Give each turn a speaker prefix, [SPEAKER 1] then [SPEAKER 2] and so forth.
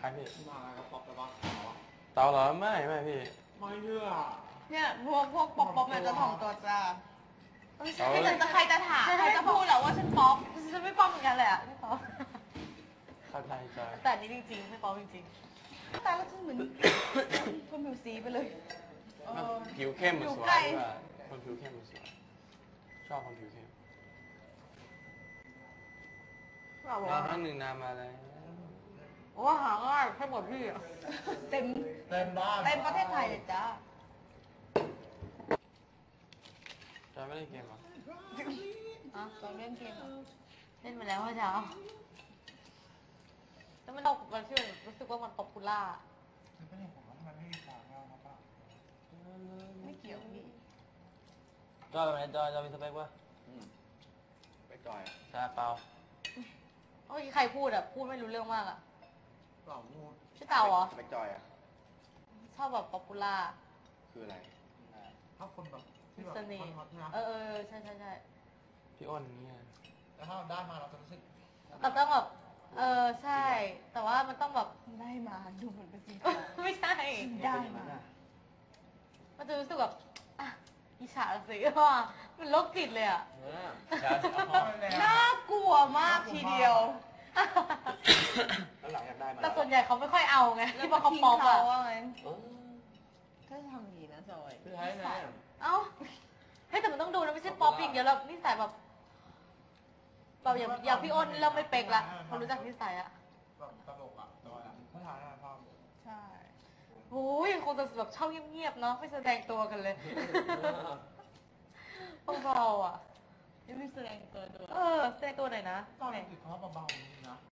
[SPEAKER 1] พี่
[SPEAKER 2] มาแล้วป๊อปไปบ้าง
[SPEAKER 1] เต๋าเหรอไม่พี่
[SPEAKER 2] ไม่เชื่อ
[SPEAKER 3] เนี่ยพวกป๊อปเนี่ยจะถ่อมตัวจ้า
[SPEAKER 1] เต๋า
[SPEAKER 3] ใครจะถามใครจะพูดแล้วว่าฉันป๊อปฉันไม่ป๊อปเหมือนกันเลยอ่ะไม่ป๊อป
[SPEAKER 1] เข้าใจใจ
[SPEAKER 3] แต่อันนี้จริงๆไม่ป๊อปจริงๆแต่แล้วฉันเหมือนคนผิวสีไปเลย
[SPEAKER 1] ผิวเข้มมันสวยกว่าคนผิวเข้มมันสวยชอบคนผิวเข้มมาครั้งหนึ่งนานมาแล้ว
[SPEAKER 3] ว่าหาง่ายแค่หมดพี่อ่ะเต็ม
[SPEAKER 2] บ้าน
[SPEAKER 3] เต็มประเทศไทยเลยจ้า
[SPEAKER 1] จะไม่ได้เกมหรอ
[SPEAKER 3] ตอนเล่นเกมเล่นมาแล้วเมื่อเช้าแล้วมันชื่อรู้สึกว่ามันป๊อปปูล่า
[SPEAKER 2] ไม่เห็นผมว่ามันไม่มีความเงาครับป้า
[SPEAKER 3] ไม่เกี่ยวพี่
[SPEAKER 1] จอยเป็นไงจอยมีสเปคปะ
[SPEAKER 2] ไปจอย
[SPEAKER 1] ใช่เปล่า
[SPEAKER 3] เมื่อกี้ใครพูดอ่ะพูดไม่รู้เรื่องมากอ่ะ
[SPEAKER 2] เปล่ามูด
[SPEAKER 3] ชื่อเต่าเหรอ
[SPEAKER 2] ไปจอยอ่ะ
[SPEAKER 3] ชอบแบบป๊อปปูล่า
[SPEAKER 2] คืออะไรถ้าคนแบบที่แบบ
[SPEAKER 3] เสน่ห์
[SPEAKER 2] ฮอตๆนะ
[SPEAKER 3] ใช่ใช่
[SPEAKER 1] พี่อ้นเนี่ย
[SPEAKER 2] แล้วถ้าเราได้มาเราจะรู้สึก
[SPEAKER 3] แต่ต้องแบบใช่ แต่ว่ามันต้องแบบได้มาดูเหมือนเป็นจริงไม่ใช่ได้มามันจะรู้สึกแบบอ่ะอิจฉาสิว่ามันโรคจิตเลยอ่ะน่ากลัวมากทีเดียว
[SPEAKER 2] แล้วหลังอยากได้มา
[SPEAKER 3] แต่ส่วนใหญ่เขาไม่ค่อยเอาไงที่ว่าเขาป๊อปอะ
[SPEAKER 4] ถ้าจะทำอย่างนี้นะจอย
[SPEAKER 2] คือใช้ไหม
[SPEAKER 3] เอ้าเฮ้ยแต่มันต้องดูนะไม่ใช่ป๊อปอย่างเดียวแล้วนิสัยแบบอย่างพี่อ้นเริ่มไม่เป๊กละพอรู้จักนิสัยอะ
[SPEAKER 2] แบบตลกอ่ะจอยอ่ะเขาถ่ายนะพ่อ
[SPEAKER 3] ใช่โอ้ยคงจะแบบชอบเงียบๆเนาะไม่แสดงตัวกันเลยเบาๆอ่ะ
[SPEAKER 4] ไม่แสดงตัวด้วย
[SPEAKER 3] แสดงตัวหน่อยนะ
[SPEAKER 2] ตอนติดเขาเบาๆนี่นะ